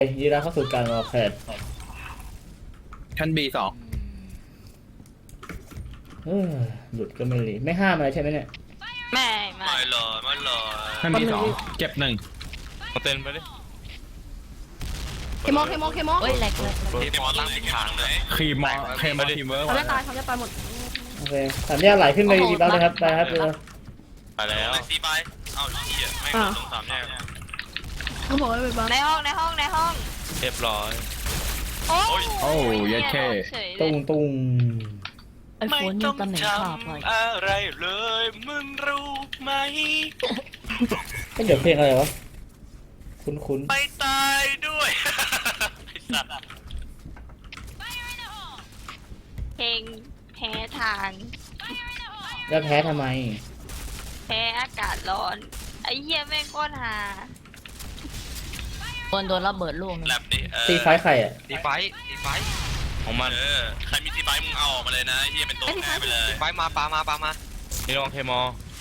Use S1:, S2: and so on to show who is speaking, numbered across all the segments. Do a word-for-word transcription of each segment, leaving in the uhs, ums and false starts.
S1: ยีราเข้าสู่การวอลแคท
S2: ชั้นบีสอง
S1: หลุดก็ไม่รีไม่ห้ามอะไรใช่ไหมเนี่ย
S3: ไม่ไม่
S4: ไม่หรอไม่หรอ
S2: ชั้นบีสองเก็บหนึ่ง
S4: มาเต้นไปดิ
S5: เคมอเคมอเคมอ
S3: เฮ้ยแหลกเลย
S4: ทีมอตั้งทิศทางเลย
S2: คีมอเคมอทีมเวิร์ก
S5: เขาจะตายเขาจะตายหมด
S1: โอเคสามแยกไหลขึ้นไปดีบ้างเลยครับไปครับเรือ
S4: ไปแล้วซีไปเอาเหี้ยไม่ตรงสามแยก
S5: เขาบอกว่าไปบ้าน
S3: ในห้องในห้องในห้อง
S4: เรียบร้อย
S3: โอ้
S2: โอ้ยแค่
S1: ตุ้งตุ้ง
S3: ไอโฟนนี่ตำแหน่งขาดเลย
S4: อะไรเลยมึงรู้ไหม
S1: ก็เดี๋ยวเพลงอะไรวะคุ้นคุ้น
S4: ไปตายด้วยไอ้สัตว์
S3: เพลงแพ้ทาง
S1: แล้วแพ้ทำไม
S3: แพ้อากาศร้อนไอ้เหี้ยแม่งก้นหาคนโดนระเบิดลูก
S4: แลบดิ
S1: ตีไฟใครอ่ะ
S4: ตีไฟตีไฟของมันเออใครมีตีไฟมึงเอาออกมาเลยนะเฮียเป็นตัวแทนไปเลยไฟมาปามาปามานี่ลองเคมอ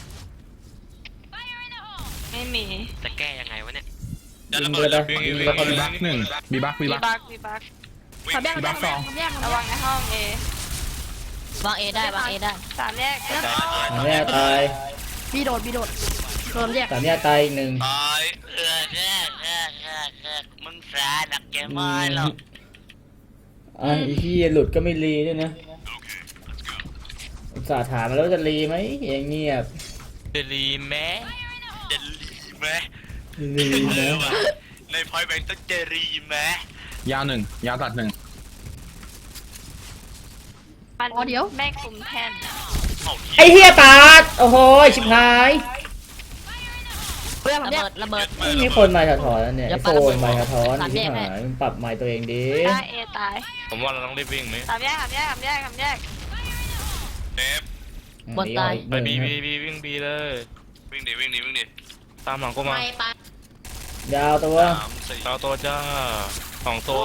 S3: ไม่มี
S4: จะแก้ยังไงวะเนี่ย
S1: ยิงเลยนะยิงเลย
S2: บีบักหนึ่งบีบักบี
S3: มี
S2: บัก
S3: บักมีบัก
S5: ขับแยกขับแยกขับแยก
S3: ระวังในห้องเอ
S6: วางเอได้วางเอได้
S3: สามแยก
S1: สามแยกตาย
S5: บีโดดบีโดดโดนแยก
S1: สามแยกตายอีกหนึ่ง
S4: ตายเออแน่แน่แน่แน่มึงแสบหนักแกไม่หรอก
S1: อ่ะไอ้ที่หลุดก็ไม่รีด้วยนะอุตส่าห์ถามมาแล้วจะรีไหมอย่างเงียบ
S4: เดลีแม้เดลีแม้
S1: รีนะ
S4: ในพอยแบงค์ต้องเจรีแม้
S2: ยาวหนึ่งยาวตัดหนึ่ง
S3: มันแม่คุมแท่น
S1: ไอ้เฮียตาดโอ้โหชิบหาย
S5: เพื่อน
S6: ระ
S5: ขับแย
S6: เบิ
S5: ก
S6: ดระเบิด
S1: ไม่มีคนมาสะท้อนแล้วเนี่ยไอโฟนมาสะท้อนชิบหายมันปรับไมค์ตัวเองดี
S3: หน้าเอตาย
S4: ผมว่าเราต้องรีบวิ่งไหม
S3: สามแยกสามแยกสามแยกสามแยก
S4: เนฟ
S6: บนตาย
S4: ไปบีบีบีวิ่งบีเลยวิ่งดิวิ่งดิวิ่งดิตามหลังกูมา
S6: ไม่ปะ
S1: ยาวตัว
S4: สามสี่เอาตัวจ้าสองตัว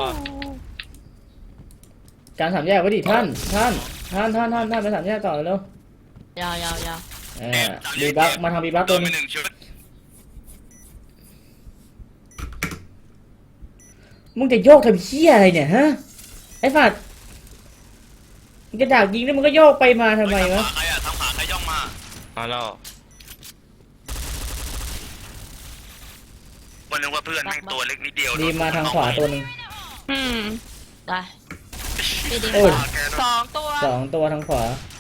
S1: การสามแยกไว้ดิท่านท่านท่านท่านท่านท่านไปสามแยกต่อเร็วย
S6: าวยาวยาว
S1: เออบีบักมาทำบีบักตัว
S4: ไป
S1: นึง
S4: หนึ่งชุด
S1: มึงจะโยกทำเหี้ยอะไรเนี่ยฮะไอ้ฝัดมึงจะดักยิงแล้วมึงก็โยกไปมาทำไมวะ
S4: ใครอะทำขาใครย่องมามาแล้ววันนึงว่าเพื่อนแม่งตัวเล็กนิดเดียว
S1: ดีมาทางขวาตัวหนึ่ง
S3: อืม
S6: ได้พี่ดี
S1: โอ้ย
S3: สองตัว
S1: สองตัวทางขวา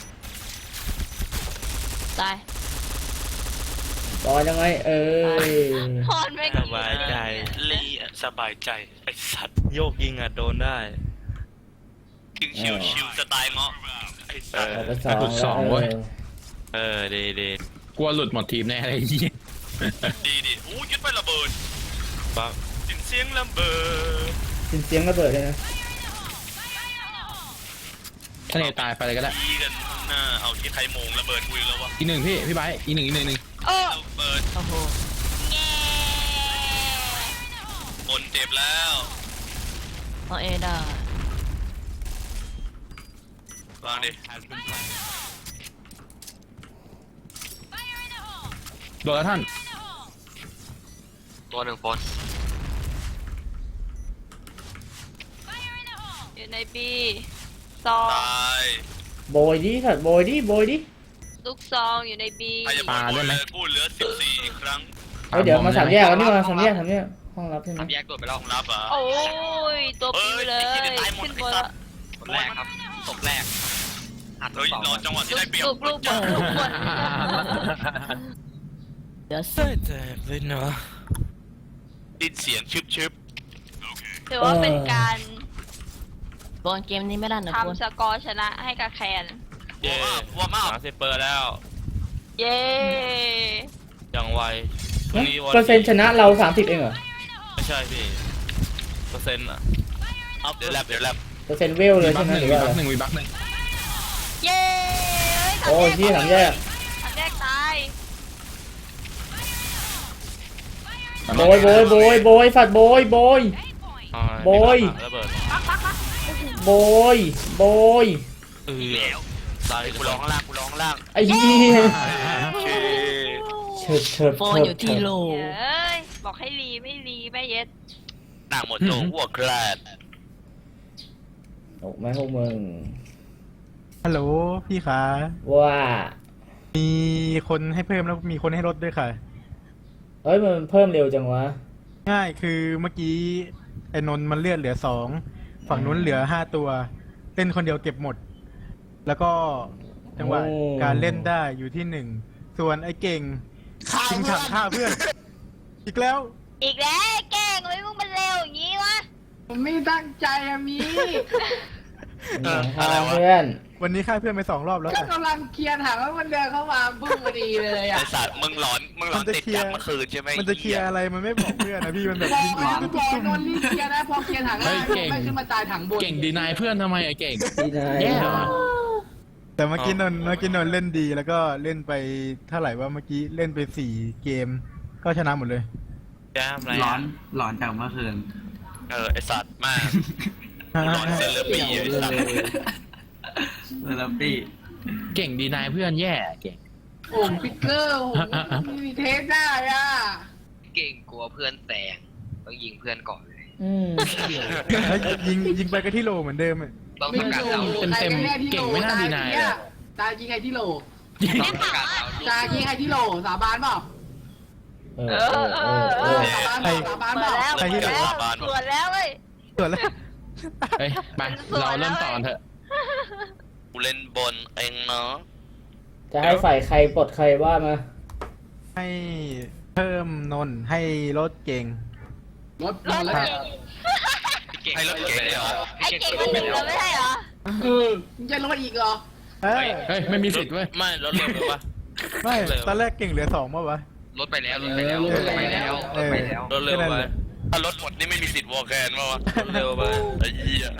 S6: ตาย
S1: ต่อยังไงเออ
S3: พอนไม่
S4: สบายใจลีสบายใจไอสัตว์โยกยิงอะโดนได้ยิงชิวชิวสไตล์เงาะไอสัตว์
S1: ออกไปสองแล้วเออ
S4: เออดีดี
S2: กลัวหลุดหมดทีมแน่เลยยี่
S4: ดีดีอู้ยึดไประเบิดปังยินเสียงระเบิด
S1: สิ้นเสียงระเบิดเลยนะ
S2: ทะเลตายไปเลยก็ได้
S4: ดีกันข้างหน้าเอาที่ใครโมงระเบิดคุยแล้ววะ
S2: อีกหนึ่งพี่พี่ไบอีกหนึ่งอีกหนึ่งหนึ่ง
S3: โอ้
S4: ระเบิด
S6: โอ้โห
S3: แง่
S4: คนเจ็บแล้ว
S6: วางเอได้
S4: วางดิ
S2: โดนแล้วท่าน
S4: ตัวหนึ่งโพส
S3: อยู่ในบีซอง
S4: ตาย
S1: โบยดิสัตว์โบยดิโบยดิ
S3: ลูกซองอยู่ในบี
S4: ใครจะบอกกูเลยกูเหลือสิบสี่อีกครั้ง
S1: เฮ้ยเดี๋ยวมาสามแยกแล้วนี่มาสามแยกสามแยกห้องรับใช่ไหม
S4: ทำแยกตัวไปแล้วของรับอ่ะ
S3: โอ้ยตัวปิวเลยขึ้นบนละ
S4: คนแรกครับศพแรกอัดเฮ้ยรอจังหวะที่ได้เปรียบ
S3: ลูกลูกบนลูกบน
S6: เดี๋ยว
S4: เฮ้ยแตกเลยเนาะดินเสียงชึบชึบ
S3: ถือว่าเป็นการ
S6: บอลเกมนี้ไม่ได้นะคุณ
S3: ทำสกอร์ชนะให้กับแคน
S4: เย้ว่ามาสามสิบเปอร์แล้ว
S3: เย้
S4: อย่างไวพรุ่งนี้วัน
S1: เปอร์เซ็นต์ชนะเราสามสิบเองเหรอ
S4: ไม่ใช่พี่เปอร์เซ็นต์อ่ะเดี๋ยวแลบเดี๋ยวแลบ
S1: เปอร์เซ็นต์เวลเลย
S2: บั
S1: ใช่
S2: ก
S1: ไหม
S2: หนึ่ง
S1: หรือ
S2: วี
S1: ว่า
S2: บั
S1: อะไร
S2: กหนึ่งวีบักหนึ่ง
S3: เย้
S1: โอ้ยที่สามแยก
S3: สามแยกตาย
S1: โบยโบยโบยโบยฝัดโบยโบย โบย
S4: ระเบิด
S1: โบยโบย
S4: เออตายกูร้องข้างล่างกูร้องข้างล่าง
S1: ไอ้เหี้ย
S4: โอเค
S1: เฉิดเฉิด
S6: โฟน
S1: เฉิด
S6: อยู่ที่โล
S3: เอ้ยบอกให้รีไม่รีไม่เย็ด
S4: ดต่างหมดโจหัวแคลด
S1: ออกมาพวกมึง
S7: ฮัลโหลพี่คะ
S1: ว่า
S7: มีคนให้เพิ่มแล้วมีคนให้ลดด้วยค่ะ
S1: เอ้ยมันเพิ่มเร็วจังวะ
S7: ง่ายคือเมื่อกี้ไอ้นนท์มันเลือดเหลือสองฝั่งนู้นเหลือห้าตัวเล่นคนเดียวเก็บหมด แล้วก็จังหวะ
S1: โอ้
S7: การเล่นได้อยู่ที่หนึ่งส่วนไอ้เก่งชิงถังฆ่าเพื่อน อีกแล้ว
S3: อีกแล้วแกล้งไว้มึงมันเร็วอย่างงี้วะ
S8: ผมไม่ตั้งใจอะมี
S4: เออ
S1: ฆ่า
S4: อะไรวะ
S1: เพื่อน
S7: วันนี้ฆ่าเพื่อนไปสองรอบแล้ว
S8: ก็
S7: ค่ะ
S8: กำลังเคลียร์ถามว่ามันเดินเข้ามาบึ้งพอดีเลย
S4: ไอ
S8: อะ
S4: สัตว์มึงหลอนมึงหลอน
S7: มันจะ
S4: ติด
S7: เคลียร์
S4: จากเมื่อคืนใช่ไหม
S7: มันจะเคลียร์อะไรมันไม่บอกเพื่อนนะพี่มันแบบ
S8: บอก
S7: ยิง
S8: ไม่
S7: ยิง
S8: ต้อง
S7: ตุ้ม
S8: บอก
S7: ตุ้ม
S8: นนท์รีบเคลียร์นะพอเคลียร์ถังแรกไม่ขึ้นมาตายถังบน
S2: เก่งดีนายเพื่อนทำไมอะเก่ง
S1: ดีนาย
S2: แย่ว่ะ
S7: แต่เมื่อกี้นนท์เมื่อกี้นนท์เล่นดีแล้วก็เล่นไปเท่าไหร่ว่าเมื่อกี้เล่นไปสี่เกม ก็ชนะหมดเลย
S4: แก้มอะไร
S9: ร้อ
S4: อะ
S9: นร้อนจากเมื่อคืน
S4: เออไอสัตว์มากหลอนเซเลบรี้ไอสัตว์
S9: เซเลปี้
S2: เก่งดีนายเพื่อนแย่เก่ง
S8: โอ้พิกเกอร์โอ้ไม่มีเทสได้อ่ะ
S10: เก่งกลัวเพื่อนแซงต้องยิงเพื่อนก่อนเลย
S1: อืม
S7: แล้วยิงยิงไปก็ที่โลเหมือนเดิมอะ
S10: ต้อง
S8: ไม่
S10: ต้องการ
S8: โด
S10: เอา
S8: น
S2: เต็มเต็มเก่งไม่น่าดีนายเลย
S8: ตายยิงใครที่โหล
S10: ต้องการเอา
S8: ตายยิงใครที่โหลสาบานเปล่า
S1: เออเออเออเอ
S8: เอ
S1: อ
S8: อสาบานเปล่าสาบาน
S3: เปิ
S8: เป
S3: ด
S8: ล่า
S3: แล้วเปิดแล้วสวนแล้วเว้ย
S7: ส่วนแล้ว
S2: เฮ้ยไปเราเริ่มต่อกันเถอะ
S4: กูเล่นบนเองเนาะ
S1: จะให้ฝ่ายใครปลดใครว่ามา
S7: ให้เพิ่มนนท์ให้ลดเก่ง
S8: รถ
S3: ร
S8: ร
S3: ถ
S8: ถแล้ว
S3: เก่ง
S4: ให้รถเก๋งเหรอ
S3: ไอ้เก่งมันหนึ่งแล้วไม่ใช่เหรอ
S8: เออมึงจะรถอีกเหรอ
S7: เอ้ย
S2: เฮ้ยไม่มีสิทธิ์เว้ย
S4: ไม่รถเร็วเลยวะ
S7: ไม่ตอนแรกเก่งเหลือสองป่าวะ
S10: รถไปแล้วรถไปแล้ว
S7: เอ
S10: ร
S7: อ
S10: ถไปแล้วร
S7: เอ
S10: ถ
S7: อ
S10: ไปแล้ว
S4: รถเร็ว
S7: แค่นั้น
S4: ไป
S7: แหละ
S4: ถ้ารถหมดนี่ไม่มีสิทธิ์วอลแคนมาวะเร็วไปไอ้เหี้ย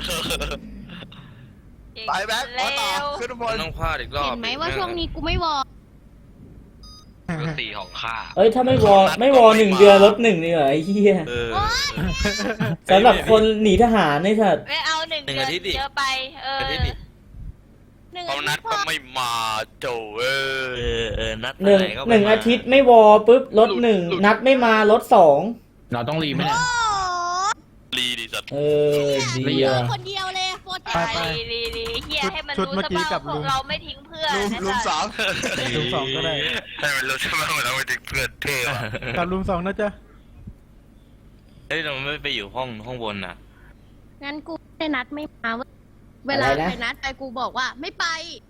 S3: ไปแบ็คต่อขึ้น
S4: มันต้องพลาดอีกรอบ
S5: เห็นไหมว่าช่วงนี้กูไม่วอ
S10: รถสี่ของข้า
S1: เอ้ยถ้าไม่วอไม่วอหนึ่งเดือนลดหนึ่งนี่เหรอไอ้เหี้ย
S4: เออ
S1: สำหรับคนหนีทหารนี่เถิด
S3: ไม่เอาหนึ่ง
S4: หนึ่ง
S3: เดือน
S4: อาทิตย์ดิ
S3: เยอะไป เออ
S4: อาทิตย์ดิ
S5: หนึ่ง
S4: เอา
S5: อา
S4: นั
S5: ทิ
S4: ด
S5: ตย์พ
S4: ก็
S5: อ
S4: ไม่มาโจเออเออเออนัด
S1: หนึ่ง
S4: ไหก็
S1: หนึ่ง
S4: ไม่ม
S1: อาทิตย์ไม่วอปุ๊บลดหนึ่งนัดไม่มาลดสอง
S2: เราต้องรีไหมเนี่ย
S4: รีดิสัตว์
S1: เออดี
S2: เรีย
S1: ว่ะ
S5: คนเดียวเลยโปรเจก
S7: ไป
S5: ต์
S7: ไป
S3: ดีดีดีเฮียให้มัน
S7: ชุด
S3: รู้
S7: เมื่อ
S3: ซะ
S7: กี้
S3: บ้าง
S7: กับ
S3: ว่าพ
S7: ลุ
S3: ว
S7: ง
S3: กเราไม่ทิ้งเพื่อน
S4: ลุมสอง
S7: ลุมสองก็ได้
S4: ให้มันรู้ใช่ไหมว่าเราไปถึงเพื่อนเท่อะ
S7: กับลุมสองนะจ๊ะ
S4: เฮ้ยเราไม่ไปอยู่ห้องห้องบนน่ะ
S5: งั้นกูได้นัดไม่มาเว้ยเวลาไปนัดไปกูบอกว่าไม่ไป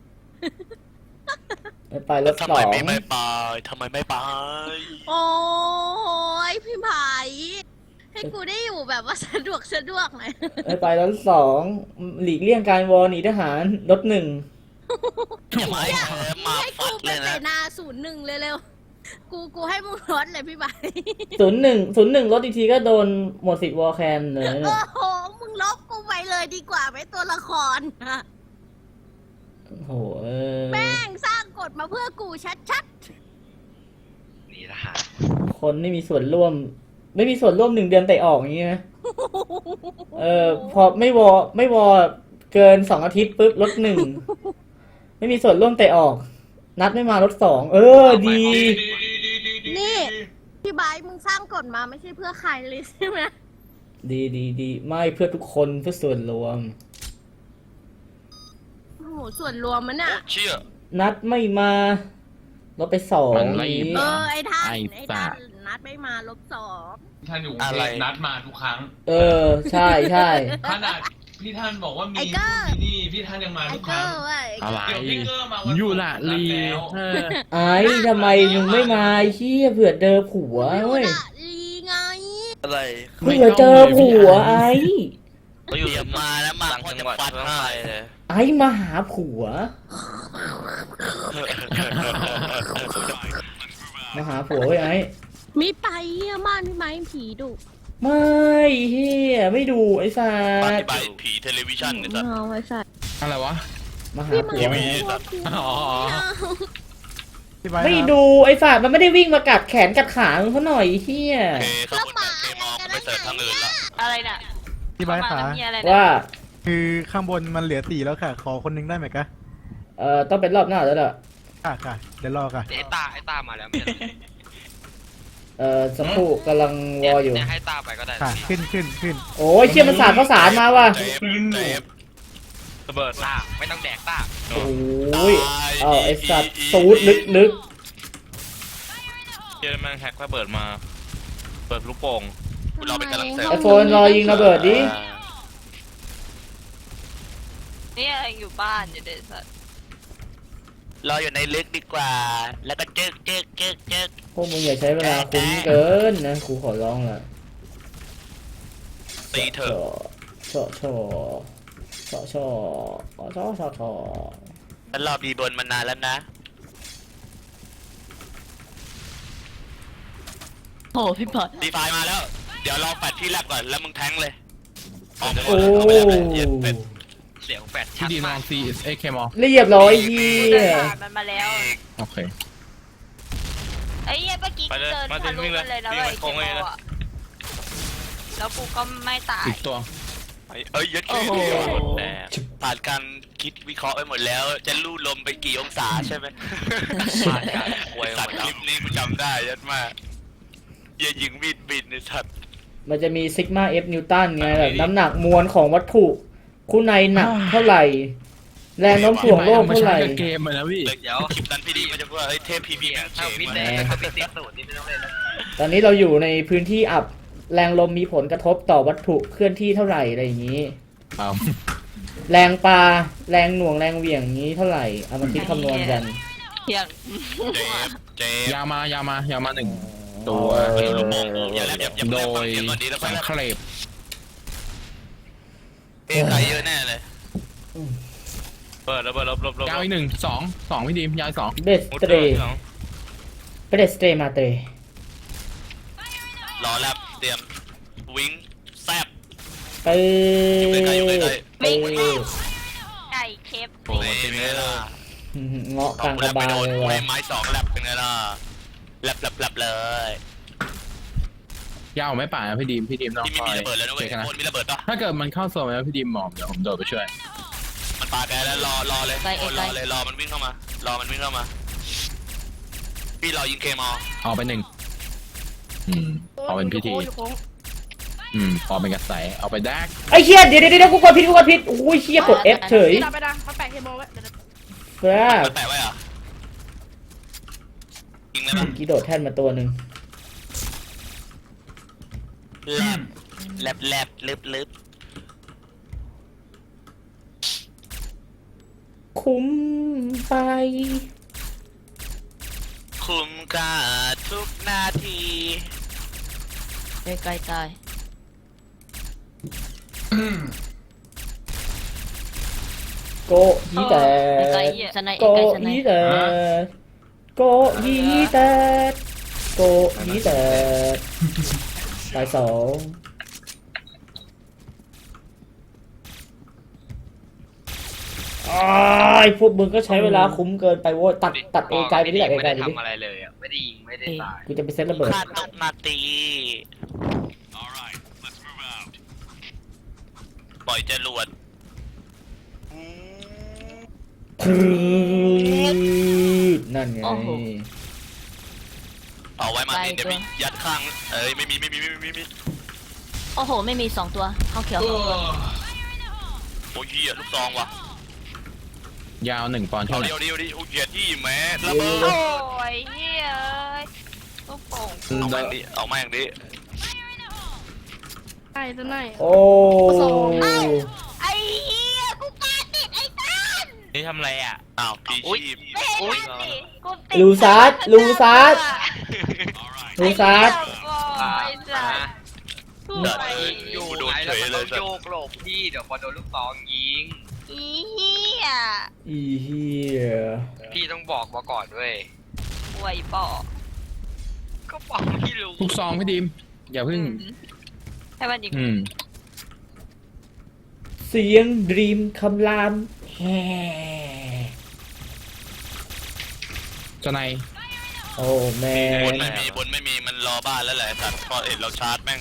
S1: ไม่ไปลด
S4: ทำ
S1: ส
S4: ไม
S1: อง
S4: ไม่ไม่ไปทำไมไม่ไป
S5: โอ้ยพี่ไผ่ให้กูได้อยู่แบบว่าสะดวกสะดวกหน่อย
S1: ไม่ไปลดสองหลีกเลี่ยงการวอหนีทหารลดหนึ่ง
S4: จะมามา
S5: ให้
S4: ฟั
S5: กู
S4: ด
S5: ไป
S4: เลย
S5: เส
S4: นะ
S5: นาศูนย์หนึ่งเร็วๆกูกูให้มึงลดเลยพี่ไผ่
S1: ศูนย์หนึ่งศูนย์หนึ่งลดอีกทีก็โดนหมดสิทธิ์วอแคนเลยนะ
S5: โอ้โหมึงลบกูไปเลยดีกว่าไหมตัวละคร
S1: โอ้โหเออ
S5: แม่งสร้างกฎมาเพื่อกูชัด
S10: นี่ทหาร
S1: คนไม่มีส่วนร่วม ไม่มีส่วนร่วมหนึ่งเดือนเตะออกอย่างงี้นะ
S5: ๆ
S1: เออพอไม่วอไม่วอเกินสองอาทิตย์ปุ๊บลดหนึ่งไม่มีส่วนร่วมเตะออก นัดไม่มาลดสองเออดี
S5: นี่พี่ไบร์ทมึงสร้างกฎมาไม่ใช่เพื่อใครเลยใช่ไหม
S1: ดีดีดีไม่เพื่อทุกคนเพื่อส่วนรวม
S5: โอ้โหส่วนรวมมันอะ
S4: เชี่ย
S1: นัดไม่มาลดไปสอง
S2: มันไม่
S1: นี้
S5: เออไอ้ท่าน
S2: ไอ้
S5: ไอ้
S2: สั
S5: ท่า
S2: ต
S5: น
S2: ว์
S5: นัดไม่มาลบสอง
S11: ท่านอยู่กรุง
S4: อะ
S11: เท
S4: ไร
S11: พนัดมาทุกครั้ง
S1: เออใช่ใช่
S11: ขนาดพี่ท่านบอกว่ามี
S5: ไอ้เกอร์
S11: ที่นี่พี่ท่านยังมา
S5: ไอ้
S11: ทุกค
S5: เกิ
S11: รั้ง
S5: ร์ว่ะไอ้
S2: อะไร
S11: เดี๋ยวพี่เกอร์มาวัน
S2: ยูละ
S11: นัด
S2: ลี
S11: แล้ว
S2: เออ
S1: ไอ้ทำไมมึงไม่มาไอ้เชี่ยเผื่อเจอผัว
S5: ยู
S1: เว้ย
S5: ละลีไง
S4: อะไร
S1: เผื่อเจอผัวไอ้
S4: เขาอยู่มาแล้วมาพ่อจะฟัดให้เลย
S1: ไอ้มาหาผัว มาหาผัวเว้ยไอ้
S5: มีไปเยี่ยมากพี่ไม้ผีดุ
S1: ไม่เฮียไม่ดูไอ้สั
S4: ป
S1: ต
S4: ฏิ
S1: ว์
S4: บัติผีเทเลวิชันเนี่ยสัตว์
S5: เอาไว้สัตว์
S2: อะไรวะ
S1: มาหา
S5: พี่
S1: ผั
S5: ไม้
S1: ว
S4: ทีวี
S1: ไอ้
S4: สัตว์
S2: อ๋อ
S7: พี่ไบร์ท
S1: ไม่
S7: ครับ
S1: ดูไอ้สัตว์มันไม่ได้วิ่งมากัดแขนกัดขามึงเขาหน่อยเฮีย
S4: โอเคข้างบนแบบเคมอลไม่เสิร์ฟทางอื่นละ
S3: อะไรน่ะ
S7: พี่ไบร์ทขา
S3: เข้ามาแล้วมีอะไรนะ
S1: ว่า
S7: คือข้างบนมันเหลือสี่แล้วค่ะ ขอคนหนึงได้ไหมคะ
S1: เอ่อต้องเป็นรอบหน้าแล้วล่ะ
S7: ค่ะค่ะเดี๋ยวรอค่ะ
S10: ไอ้ตาไอ้ตามาแล้วไม่ใช่เหรอ
S1: เอ่อสักครู่กำลังวออยู่
S10: เนี่ยให้ตาไปก็ได้
S7: ค่ะขึ้นขึ้นขึ้น
S1: โอ้ยเชี่ยมันสาดข้าวสารมาว่ะ
S4: เจ็บเจ็บระเบิด
S10: ตาไม่ต้องแดกตา
S1: โอ้ยเอาไอสัตว์สูดลึก
S4: เจอแม่งแฮกระเบิดมา เปิดลูกโป่งเราเป็นกำลังเสริ
S1: ๆ
S4: ม
S1: ไอโฟนรอยิงระเบิดดิ
S3: เนี่ยอยู่บ้านอยู่เด็ดสัตว์
S4: รออยู่ในลึกดีกว่า แล้วก็จึกจึกจึกจึก
S1: พวกมึงอย่าใช้เวลาคุ้มเกินนะกูขอร้องละ
S4: ตีเถอะ
S1: ชอชอชอชอชอชอชอชอ
S4: ฉันรอบีบนมานานแล้วนะ
S6: โอ้พี่บอล
S4: ดีไฟมาแล้ว เดี๋ยวรอแฟดที่แรกก่อนแล้วมึงแทงเลย
S1: โอ้
S10: เสียงแฟด
S2: พี่
S10: ชัด
S2: ดีม
S10: มา
S2: อก งซีเอเคมอ
S1: เรียบร้อยเฮีย
S3: มันมาแล้ว
S2: โอเค
S3: ไอ้เหี้ยเมื่อกี้กูเดินทะลุมันเลยนะเว้ยเกมอ่ะแล้วกูก็ไม่ตาย
S2: อีกตัว
S4: เอ้ยยัดขี้แหมผ่านการคิดวิเคราะห์ไปหมดแล้ว จะลู่ลมไปกี่องศาใช่ไหมผ่านการควยสัตว์คลิปนี้กูจำได้ยัดมากอย่ายิงมีดบินในสัตว์
S1: มันจะมีซิกมาเอฟนิวตันไงแบบน้ำหนักมวลของวัตถุคู่ในหนักเท่าไหร่ แรงโน้มถ่วงโลกเท่าไหร่
S2: เกมเลยนะพี่
S4: เดี๋ยวคลิปนั้นพี่ดีมันจะพูดว่าเฮ้ยเทพพีพีแอน
S10: ถ้าวิทย์ได้ถ้าวิทย์เต็มสูตรนี่ไม่ต้องเล่นแล้ว
S1: ตอนนี้เราอยู่ในพื้นที่อับแรงลมมีผลกระทบต่อวัตถุเคลื่อนที่เท่าไหร่อะไรอย่างนี้
S2: เอา
S1: แรงปลาแรงหน่วงแรงเหวี่ยงนี้เท่าไหร่เอามาคิดคำนวณกัน
S6: เที่ยง
S4: เจ็บเจ็บ
S2: ยาวมายาวมายาวมาหนึ่งตัว
S1: เออ
S4: อย่าแล้วอย่าอย่า
S2: โด
S4: แลบ
S2: ย
S4: เดี๋ยวก่อนดีแล้ว
S2: แส
S4: ค่อย
S2: ง
S4: แลบ
S2: เคลบ
S4: เอ้ยใครเยอะแน่เลยเปิดแล้วเปิดแล้วลบลบ
S2: ยาวอีกหนึ่งสองสองพี่ดีมยาวอีกสอง
S1: เบสเตรเบสเตรมาเตร
S4: รอแลบเตรียมวิ่งแซบ
S1: ไป
S4: อยู่ใกล้ๆอยู่ใกล้
S1: ไป
S3: ไก่เคฟ
S4: ๆโอ้ยเป็นไงล่ะ
S1: เงาะกลางกระบาลเลย
S4: ไม่
S1: ว่ะ
S4: ไม้สองแลบเป็นไงล่ะแลบแลบแลบเลย
S2: ยาวไม่ป่านะพี่ดีมพี่ดีมน้อง
S4: ที่ไม่
S2: คอ
S4: มี
S2: ย
S4: ระเบิดแล้วนะเว้
S2: เช็
S4: ย
S2: คกันนะ
S4: โคนมีระเบิดปะ
S2: ถ้าเกิดมันเข้าโซนแล้วพี่ดีมหมอบเดี๋ยวผมโดดไปช่วย
S4: มันปาแกแล้วรอรอเลยโคนรอเลยรอมันวิ่งเข้ามารอมันวิ่งเข้ามาพี่รอยิงเคมอ
S2: เอาไปหนึ่งอืมเอาเป็นพิธีอืมพอเป็นกระแสเอาไปแดก
S1: ไอ้เชี่ยเดี๋ยวเดี๋ยวเดี๋ยวกูกดผิดกูกดผิดโอ้ยเชี่ยกด F เฉย
S8: ดับไปดังมาแปะเคมอลไว้เดี๋ยว
S1: ครับ
S4: มันแปะไว้เหรอยิงเลย
S1: เมื่
S4: ปะ
S1: อกี้โดดแท่นมาตัวหนึ่ง
S4: แลบแลบแลบลึบลึบ
S1: คุ้มไป
S4: คุ้มค่าทุกนาที
S6: ใกล้ๆตาย
S1: โกยีแต่
S6: ใกล้ๆสไนเอ
S1: โก
S6: ใกล้สไน
S1: ยีแต่โกยีแต่โกยีแต่ตายสองอ้ายพวกมึงก็ใช้เวลาคุ้มเกินไปโว้ยตัดตัดเอไกลไปที่ไหนไกลๆ
S10: ไม่
S1: ดิ
S10: ได้ทำอะไรเลยอ่ะไม่ได้ยิงไม่ได้ตาย
S1: กูจะไปเซตระเบิด
S4: ค่าตกนาทีปล่อยจรวด
S1: นั่นไง
S4: เอาไว้มาตินเดี๋ยวมียัดข้างเอ้ยไม่มีไม่มีไม่มีไม่มี
S6: โอ้โหไม่มีสองตัวเข้าเขียว
S11: เอ
S6: สองตัว
S11: อ
S4: โอ้ยเหี้ยลูกซองว่ะ
S2: ยาวหนึ่งปอนด์
S4: เอา
S2: เท่าไหร่
S4: เดียวเดียวดิโอ้ยเหี้ยที่แม่ระเบิด
S3: โอ้ยเฮ้ยลูกโป่ง
S4: เอามาอย่างนี้เอามาอย่างนี้
S8: ไอ้ตัวไหน
S1: โอ้
S3: ไอ้เหี้ยกูปาติดไอ้ตัน
S4: นี่ทำอะไรอ่ะอ้าวพีชีพ
S3: ไม่เห็นมันสิกูติด
S1: ลูซัสลูซัสลูซัส
S3: ไอ้สัสกู
S4: เดิน
S3: ไป
S10: อยู่ไหนแล้วมันต้องโยกหลบพี่เดี๋ยวพอโดนลูกซองยิง
S3: อีเหี้ย
S1: อีเฮีย
S10: พี่ต้องบอกมาก่อนด้วย
S3: ป่วยปอก
S10: ก็บอกพี่รู้
S2: ลูกซองพี่ดีมอย่าเพิ่ง
S3: ให้มันยิง
S2: อืม
S1: เสียงดรีมคำรามแฮ่
S2: จะใน
S1: โอ้แม่
S4: บนไม่มีบนไม่มีมันรอบ้านแล้วแหละสัตว์พอเห็นเราชาร์จแม่ง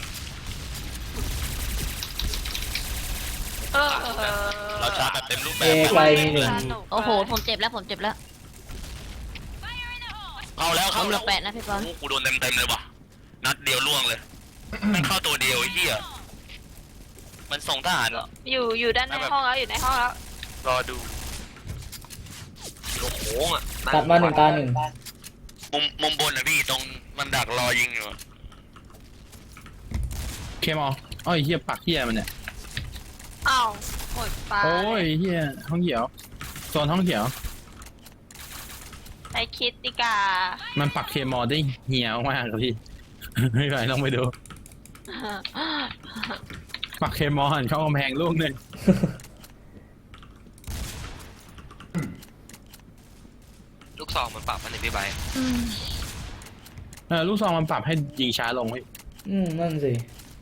S3: เออ
S4: เราชาร์จแบบเต็มรูปแบ
S1: เอบ ไกลมีหนึ่ง
S6: โอ้โหผมเจ็บแล้วผมเจ็บแล้ว
S4: เข้าแล้ว
S6: ผ
S4: เข้าม
S6: เหลื
S4: แล้
S6: อ
S4: ว
S6: แปดนะพี่บอล
S4: โอ้กูโดนเต็มเต็มเลยว่ะนัดเดียวล่วงเลยมันเข้าตัวเดียวไอ้เหี้ยมันส่งทหารเหรอ
S3: อยู่อยู่ด้านในห้องแล้วอยู่ในห้องแล้ว
S4: รอดู
S10: โอ้โหอ่ะ
S1: ตัดมาหนึ่งตาหนึ่ง
S4: มุมมุมบนนะพี่ตรงมันดักรอยิงอยู่
S2: เคมออ้อยเฮียปักเฮียมันเนี่ย
S3: อ้าวหมดปลา
S2: โอ้ยเฮียห้องเขียวโซนห้องเขียว
S3: ใช้คิดดิกา
S2: มันปักเคมอได้เหี่ยวมากครับพี่ ไม่ไหวลองไปดู ปักเคมอหันเข้ากำแพงลูกหนึ่ง
S10: ลูกซองมันปรับมันในพี่ใบ
S2: เออลูกซองมันปรับให้ยิงช้าลงพี่
S1: อืมนั่นสิ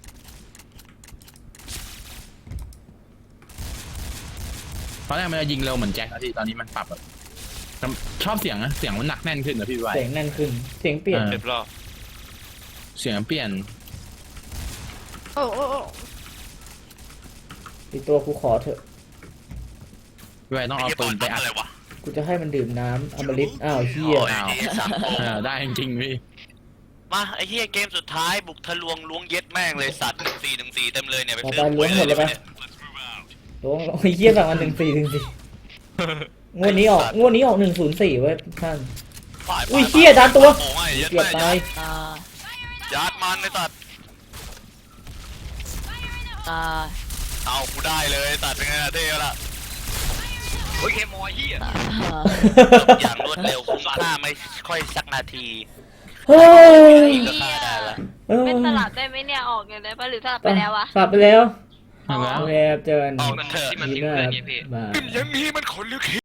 S2: ตอนแรกมันจะยิงเร็วเหมือนแจ็คนะพี่ตอนนี้มันปรับแบบชอบเสียงนะเสียงมันหนักแน่นขึ้นนะพี่ไว
S1: เสียงแน่นขึ้น เสียงเปลี่ยน
S4: เรียบร้อย
S2: เสียงเปลี่ยน
S3: โอ้โอ้โอ้
S1: อีกตัวกูขอเถอะ
S2: พี่ไวต้องเอาปืนไปอัด
S4: อะไรวะ
S1: กูจะให้มันดื่มน้ำอมฤตอ้าวเฮีย
S4: โอ้ยไอ้สัตว์
S2: เออได้จริงๆพี่
S4: มาไอ้เหี้ยเกมสุดท้ายบุกทะลวงล้วงเย็ดแม่งเลยสัตว์หนึ่งสี่หนึ่งสี่เต็มเลยเนี่ยไป
S1: ต่อ
S4: ซื้
S1: ไป
S4: อ
S1: ล้วงหมดเลยปะล้วงโอ้ยเฮียสั่งอันหนึ่งสี่หนึ่งสี่งวดนี้ออกงวดนี้ออกหนึ่งศูนย์สี่เว้ยท่าน
S4: ฝ่าย
S1: อุ้ยเหี้ยดันตัว
S4: โอ้ยยัด
S1: เกียบ
S4: แม่
S1: ตาย
S6: ตาย
S4: ยัดมันไอ้สัตว์
S6: ตาย
S4: เอากูได้เลยสัตว์เป็นไงล่ะเท่ละ
S10: โอ้ยเคมอยเฮีย
S6: ตาย
S4: อย่างรวดเร็วคุ้มค่าไม่ค่อยสักนาที
S1: เฮ้ย
S4: นี่ก็ฆ่าได้ละ
S1: เออ
S3: ไม่สลับได้ไหมเนี่ยออกอย่างไรปะหรือสลับไปแล้ววะ
S1: กลับไปแล้ว
S2: เอาแล้ว
S1: โอเคครับเจอกัน
S4: ออกกันเถอะ
S10: ที่มันทิ้งเพื่อนไงพี่
S1: บาย
S4: ยังมีมันขนลึก